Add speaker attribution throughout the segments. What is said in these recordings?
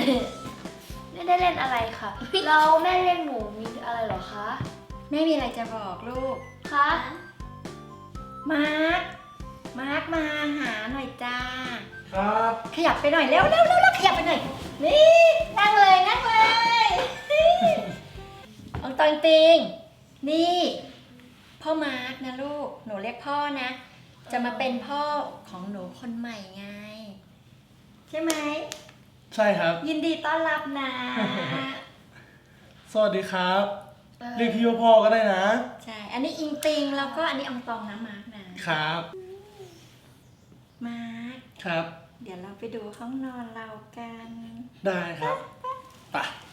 Speaker 1: ไม่ได้เล่นอะไรค่ะเราแม่เรียกหนูมีอะไรเหรอคะ
Speaker 2: แม่มีอะไรจะบอกลูก
Speaker 1: คะ
Speaker 2: มาร์คมาหาหน่อยจ้า
Speaker 3: ครับ
Speaker 2: ขยับไปหน่อยเร็วขยับไปหน่อย นี่นั่งเลยองตองติง นี่พ่อมาร์คนะลูก หนูเรียกพ่อนะ จะมาเป็นพ่อของหนูคนใหม่ไง ใช่ไหม
Speaker 3: ใช่ครับ
Speaker 2: ยินดีต้อนรับนะ
Speaker 3: สวัสดีครับ เรียกพี่ว่าพ่อก็ได้นะ
Speaker 2: ใช่ อันนี้อิงติงแล้วก็อันนี้อองตองนะมาร์คนะครับ มาร์ค
Speaker 3: ครับ
Speaker 2: เดี๋ยวเราไปดูห้องนอนเรากัน
Speaker 3: ได้ครับไป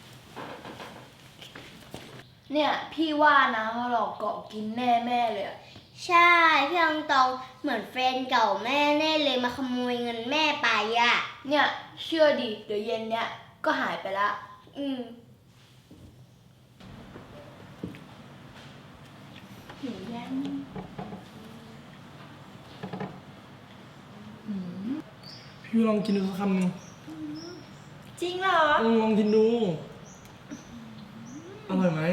Speaker 1: เนี่ยพี่ว่านะว่าเราเกาะกินแน่แม่เลยอะ
Speaker 4: ใช่พี่อองตองเหมือนแฟนเก่าแม่แน่เลยมาขโมยเงินแม่ไปอ่ะ
Speaker 1: เนี่ยเชื่อดิเดี๋ยวเย็นเนี้ยก็หายไปละ
Speaker 2: หิวยัง
Speaker 3: พี่ลองกินดูสักคำหนึ่ง
Speaker 2: จริงเหรอ
Speaker 3: ลองกินดู อร่อยไหม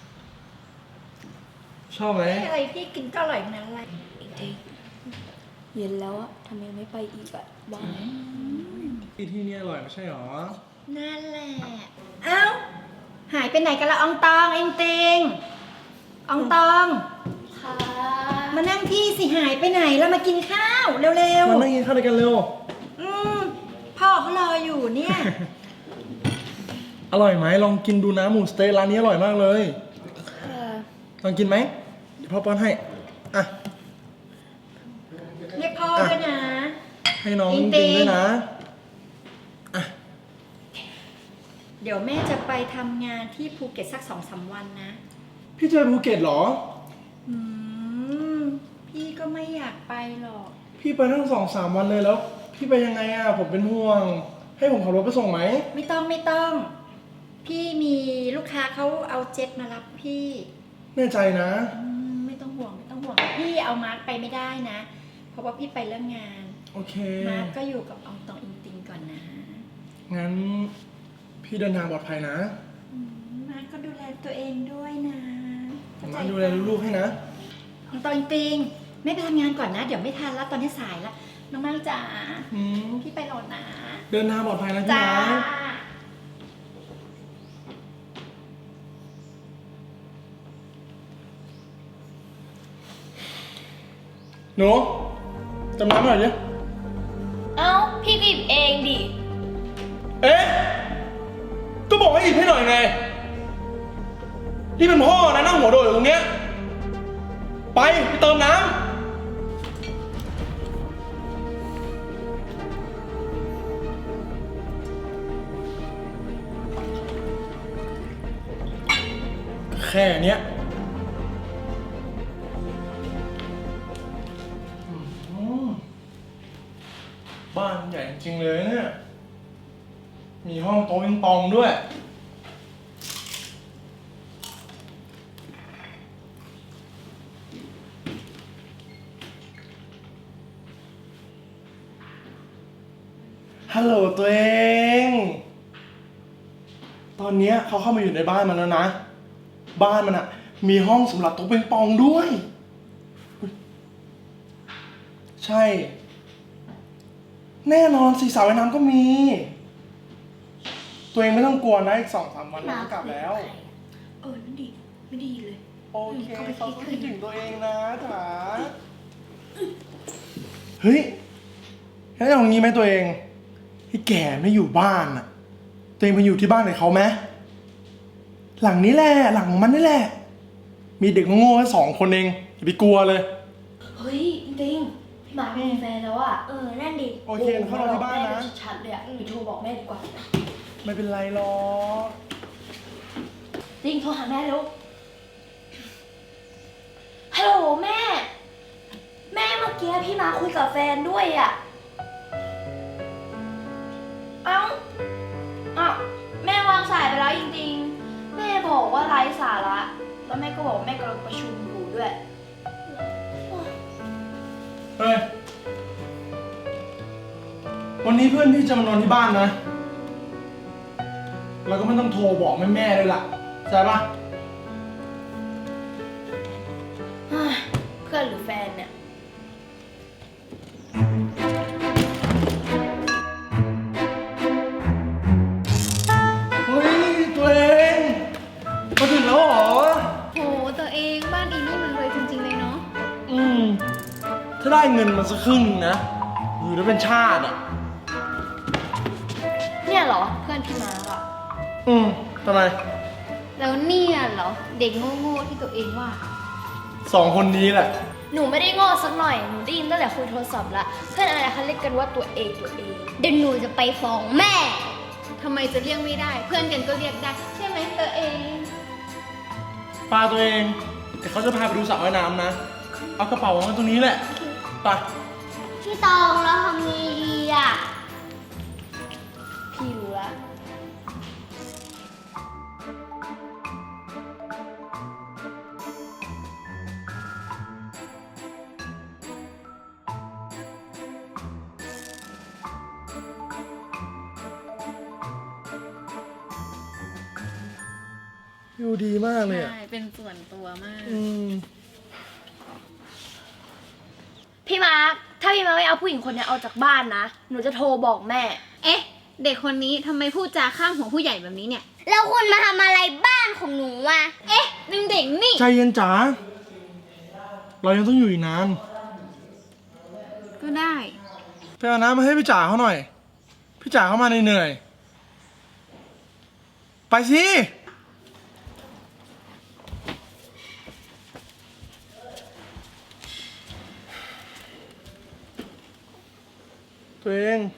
Speaker 3: ชอบไหม
Speaker 2: อะไรพี่กินก็อร่อยทั้งนั้นเลย
Speaker 1: เย็นแล้วอะทำไมไม่ไปอีกอะบ้า
Speaker 3: ที่นี่อร่อยไม่ใช่หรอ
Speaker 2: นั่นแหละ เอ้า หายไปไหนกันละอองตองเองเตงอองตอง
Speaker 1: ค่ะ
Speaker 2: มานั่งที่สิหายไปไหนแล้วมากินข้าวเร็ว
Speaker 3: มานั่งกินข้าวด้วยกันเร็ว
Speaker 2: ๆพ่อเขารออยู่เนี่ย
Speaker 3: อร่อยไหมลองกินดูนะหมูสเต๊กร้านนี้อร่อยมากเลย
Speaker 1: ค่ะ
Speaker 3: ลองกินไหมเดี๋ยวพ่อป้อนให้ อ่ะ
Speaker 2: เรียกพ่อด้วยนะ
Speaker 3: ให้น้อง
Speaker 2: อิ
Speaker 3: กิ
Speaker 2: ง
Speaker 3: น
Speaker 2: ติง
Speaker 3: ด้วยนะ อ่ะ
Speaker 2: เดี๋ยวแม่จะไปทำงานที่ภูเก็ตสัก2-3 วันนะ
Speaker 3: พี่จะไปภูเก็ตเหรอ
Speaker 2: อืม พี่ก็ไม่อยากไปหรอก
Speaker 3: พี่ไปทั้ง2-3 วันเลยแล้ว พี่ไปยังไงอ่ะ ผมเป็นห่วง ให้ผมขับรถไปส่งไหม
Speaker 2: ไม่ต้อง พี่มีลูกค้าเขาเอาเจ็ตมารับพี่
Speaker 3: แน่ใจนะ
Speaker 2: ไม่ต้องห่วง พี่เอามาร์คไปไม่ได้นะ เพราะว่าพี่ไปเรื่องงาน
Speaker 3: โอเค
Speaker 2: มาร์คก็อยู่กับอองตองอิงติงก่อนนะ
Speaker 3: งั้นพี่เดินทางปลอดภัยนะ
Speaker 2: มาร์คก็ดูแลตัวเองด้วยนะ
Speaker 3: ผมมาดูแลลูกๆให้นะ
Speaker 2: อองตองอิงติงไม่ไปทำงานก่อนนะ เดี๋ยวไม่ทันแล้วตอนนี้สายแล้วน้องมาร์คจ๋า
Speaker 3: อืม
Speaker 2: พี่ไปรอนะ
Speaker 3: เดินทางปลอดภัยนะพี่
Speaker 2: จ้า
Speaker 3: นะหนูจำน้ำหน่อยดิ
Speaker 1: เอ้าพี่บีบเองดิ
Speaker 3: เอ๊ะ ก็บอกให้หยิบให้หน่อยไง ที่เป็นพ่อนะนั่งหัวโดดอยู่ตรงเนี้ย ไปเติมน้ำ แค่เนี้ยบ้านใหญ่จริงเลยเนี่ย มีห้องโต๊ะปิงปองด้วย ฮัลโหลตัวเอง ตอนเนี้ยเขาเข้ามาอยู่ในบ้านมันแล้วนะ บ้านมันอะมีห้องสำหรับโต๊ะปิงปองด้วยอุ๊ยใช่ แน่นอนสิสระว่ายน้ำก็มี ตัวเองไม่ต้องกลัวนะอีก2-3 วันเราก็กลับแล้ว
Speaker 2: นั่นดีไม่ดีเลย
Speaker 3: โอเค
Speaker 2: เขาไป
Speaker 3: เขา
Speaker 2: คิด
Speaker 3: ก็
Speaker 2: คื
Speaker 3: คิ
Speaker 2: น
Speaker 3: ดถึงตัวเองนะจ๋าเฮ้ยแล้วอย่างนี้ไหมตัวเองที่แก่ไม่อยู่บ้านอะตัวเองไปอยู่ที่บ้านกับเขาไหมหลังนี้แหละหลังของมันนี่แหละ มีเด็กโง่ๆแค่2 คนเองอย่าไปกลัวเลย
Speaker 1: เฮ้ยจริงๆพี่หมามีแฟนแล้วอะ
Speaker 4: นั่นดิ
Speaker 3: โอเคเข้านอนที่บ้านนะ
Speaker 1: แม่ชัดๆเลยอะไปโทรบอกแม่ดีกว่า
Speaker 3: ไม่เป็นไรหรอก
Speaker 1: จริงโทรหาแม่เร็วฮัลโหลแม่ แม่เมื่อกี้พี่มาคุยกับแฟนด้วยอะเอ้าแม่วางสายไปแล้วจริงๆ แม่บอกว่าไร้สาระแล้วแม่ก็บอกว่าแม่กำลังประชุมอยู่ด้วย
Speaker 3: เฮ้ย วันนี้เพื่อนพี่จะมานอนที่บ้านนะเราก็ไม่ต้องโทรบอกแม่เลยล่ะใช่ปะ
Speaker 1: เพื่อนหรือแฟนเนี่ย
Speaker 3: เฮ้ยตัวเองมาถึงแล้วเหรอ
Speaker 5: โหตัวเองบ้านอีนี่มันรวยจริงๆเลยเนาะ
Speaker 3: ถ้าได้เงินมาสักครึ่งนึงนะอยู่ได้เป็นชาติอ่ะ
Speaker 1: เนี่ยเหรอเพื่อนพี่มาร์คอะ
Speaker 3: ทำไม
Speaker 5: แล้วเนี่ยเหรอเด็กโง่ๆที่ตัวเองว่า
Speaker 3: สองคนนี้แหละ
Speaker 1: หนูไม่ได้โง่สักหน่อย หนูได้ยินตั้งแต่คุยโทรศัพท์ละเพื่อนอะไรเขาเรียกกันว่าตัวเองตัวเอง
Speaker 4: เดี๋ยวหนูจะไปฟ้องแม่
Speaker 5: ทำไมจะเรียกไม่ได้ เพื่อนกันก็เรียกได้ ใช่ไหมตัวเอง
Speaker 3: ปลาตัวเองเดี๋ยวเขาจะพาไปดูสระว่ายน้ำนะ เอากระเป๋าวางไว้ตรงนี้แหละ ไป
Speaker 4: พี่ตองเราทำไงดีอ่ะ
Speaker 1: พี่รู้ละ
Speaker 3: อยู่ดีมากเลยอ่ะ
Speaker 5: ใช่ เป็นส่วนตัวมาก
Speaker 1: พี่มาร์คถ้าพี่มาร์คไม่เอาผู้หญิงคนนี้ออกจากบ้านนะ หนูจะโทรบอกแม่
Speaker 5: เอ๊ะ เด็กคนนี้ทำไมพูดจาข้ามหัวผู้ใหญ่แบบนี้เนี่ย
Speaker 4: แล้วคุณมาทำอะไรบ้านของหนูอ่ะ
Speaker 5: เอ๊ะนึงเด็กนี่
Speaker 3: ใจเย็นจ๋า เรายังต้องอยู่อีกนาน
Speaker 5: ก็ได้
Speaker 3: ไปเอาน้ำมาให้พี่จ๋าเขาหน่อย พี่จ๋าเขามาเหนื่อยๆไปสิ ตัวเอง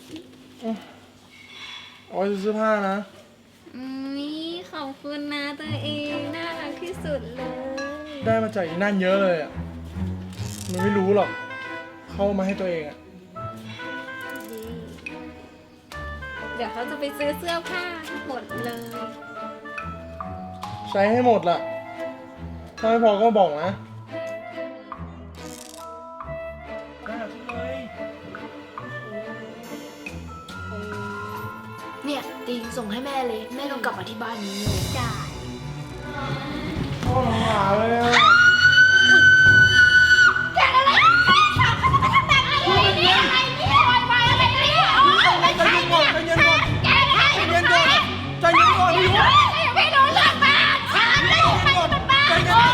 Speaker 3: เอาไว้ซื้อผ้านะ
Speaker 5: นี่ขอบคุณนะตัวเองน่ารักที่สุดเลย
Speaker 3: ได้มาจากอีนั่นเยอะเลยอ่ะ มันไม่รู้หรอก เข้ามาให้ตัวเองอ่ะ
Speaker 5: เดี๋ยวเขาจะไปซื้อเสื้อผ้าหมดเลย
Speaker 3: ใช้ให้หมดล่ะ ถ้าไม่พอก็บอกนะ
Speaker 1: เนี่ยติงส่งให้แม่เลย แม่ต้องกลับมาที่บ้านนี้เลย
Speaker 4: จ่าย
Speaker 3: พ่อหาเลยอ่ะ ใจเย็นก่อนใจเย็นก่อนใจเย็นก่อนใจเย็นก่อนพี่ยุไม่รู้เรื่องบ้านใจเย็นก่อนใจเย็นก่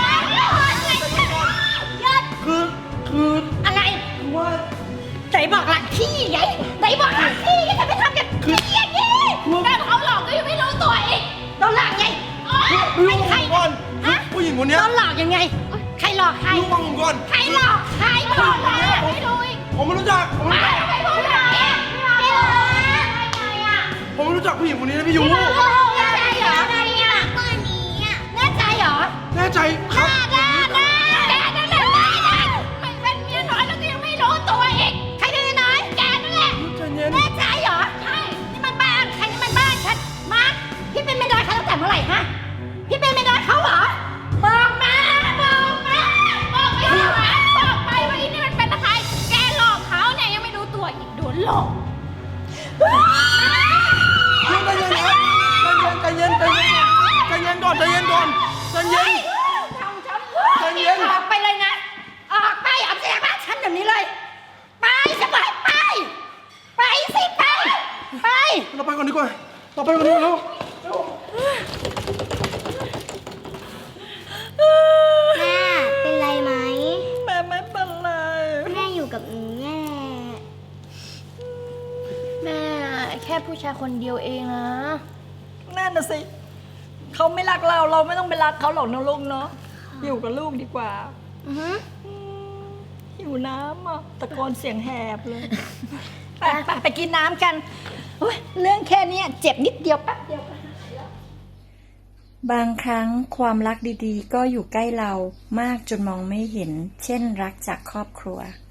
Speaker 3: อนคืออะไรคือว่า
Speaker 2: ไหนบอกหลักที่ไงไหนบอกหลักที่จะไปทำกันอย่างนี้แม่เขาหลอกก็ยังไม่รู้ตัวเองโดนหลอกไง
Speaker 3: พี่ยุฟังก่อนผู้หญิงคนเนี้ย
Speaker 2: โดนหลอกยังไง ใครหลอกใคร
Speaker 3: พี่ยุฟังผมก่อน
Speaker 2: ใครหลอกใครหลอกใครไม่รู้อีก
Speaker 3: ผมไม่รู้จักผมไม่รู้จัก
Speaker 2: ไม่รู้จักเนี่ยไม่รู้ไงอ่ะ
Speaker 3: ผมไม่รู้จักผู้หญิงคนนี้นะพี่ยุ
Speaker 2: แน่ใจเหรอ
Speaker 4: อะไรอ่ะก้อนนี้อ่ะ
Speaker 2: แน่ใจเหรอ
Speaker 3: แน่ใจครับ
Speaker 2: แกนั่นแหละมันเป็นเมียน้อยแล้วก็ยังไม่รู้ตัวอีกใครเป็นเมียน้อยแกนั่นแหละ
Speaker 3: ใจเย็น
Speaker 2: แน่ใจเหรอ ใช่ นี่มันบ้านใครนี่มันบ้านฉันมาพี่เป็นเมียน้อยเขาตั้งแต่เมื่อไหร่ฮะ พี่เป็นเมียน้อยเขาเหรอ บอกมา บอกมา บอกไปเหรอบอกไปว่าอีนี่มันเป็นใคร แกหลอกเขาเนี่ยยังไม่รู้ตัวอีกโดนหลอก
Speaker 3: ใจเย็นครับใจเย็นใจเย็นใจเย็นก่อนใจเย็นก่อนใจเย็น ใจเย็น
Speaker 2: ออกไปเลยนะ ออกไปออกจากบ้านฉันเดี๋ยวนี้เลย ไปจะไปไป ไปสิไป ไป
Speaker 3: เราไปก่อนดีกว่าเราไปก่อนดีกว่าแล้ว
Speaker 4: แม่เป็นไรไหม
Speaker 2: แม่ไม่เป็นไร
Speaker 4: แม่อยู่กับหนูแน่
Speaker 1: แม่แค่ผู้ชายคนเดียวเองนะ
Speaker 2: นั่นน่ะสิ เขาไม่รักเราเราไม่ต้องไปรักเขาหรอกนะลูกเนาะ อยู่กับลูกดีกว่า หิวน้ำอ่ะตะโกนเสียงแหบเลย ไปกินน้ำกันโอ๊ยเรื่องแค่เนี้ยเจ็บนิดเดียวแป๊บเดียว
Speaker 6: บางครั้งความรักดีๆ ก็อยู่ใกล้เรามากจนมองไม่เห็น เช่นรักจากครอบครัว